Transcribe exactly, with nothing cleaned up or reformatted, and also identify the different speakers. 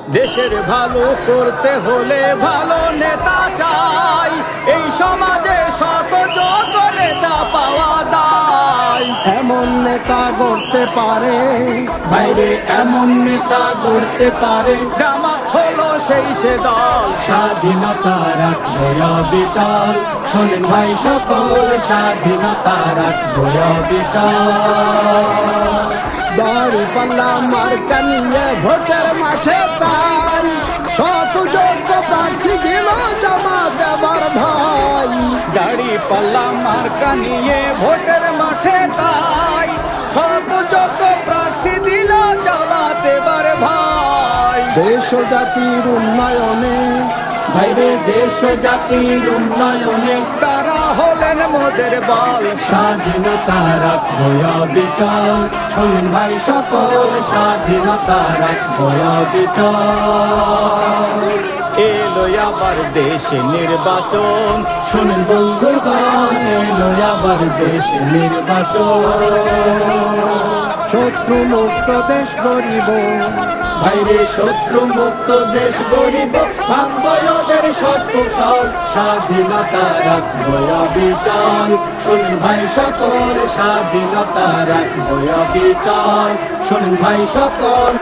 Speaker 1: দেশের ভালো করতে হলে ভালো নেতা চাই, এই সমাজে শত যোগ্য নেতা পাওয়া দায়।
Speaker 2: এমন নেতা গড়তে পারে বাইরে, এমন নেতা গড়তে পারে।
Speaker 1: জামাত হলো সেই সে দল,
Speaker 2: স্বাধীনতা রাখবো অবিচল। শোনেন ভাই সকল, স্বাধীনতা রাখবো অবিচল। দাড়ি পাল্লা মার্কা নিয়ে ভোটের মাঠে তাই, শত যোগ্য প্রার্থী দিল জামাত এবার ভাই।
Speaker 1: দাড়ি পাল্লা মার্কা নিয়ে ভোটের মাঠে তাই, শত যোগ্য প্রার্থী দিল জামাত এবার ভাই।
Speaker 2: দেশ ও জাতির উন্নয়নে ভাইরে, দেশ ও জাতির উন্নয়নে
Speaker 1: তারা হলেন মোদের বল,
Speaker 2: স্বাধীনতা রাখবো অবিচল। শোনেন ভাই সকল, স্বাধীনতা রাখবো অবিচল।
Speaker 1: এলো আবার দেশে নির্বাচন,
Speaker 2: শোনেন বন্ধুগণ, এলো আবার দেশ নির্বাচন। শত্রু মুক্ত দেশ গরিব ভাইরে, শত্রু মুক্ত দেশ গরিব। ভাঙবো ওদের সব কুশল, স্বাধীনতা রাখবো অবিচল। শোনেন ভাই সকল, স্বাধীনতা রাখবো অবিচল। শোনেন ভাই সকল,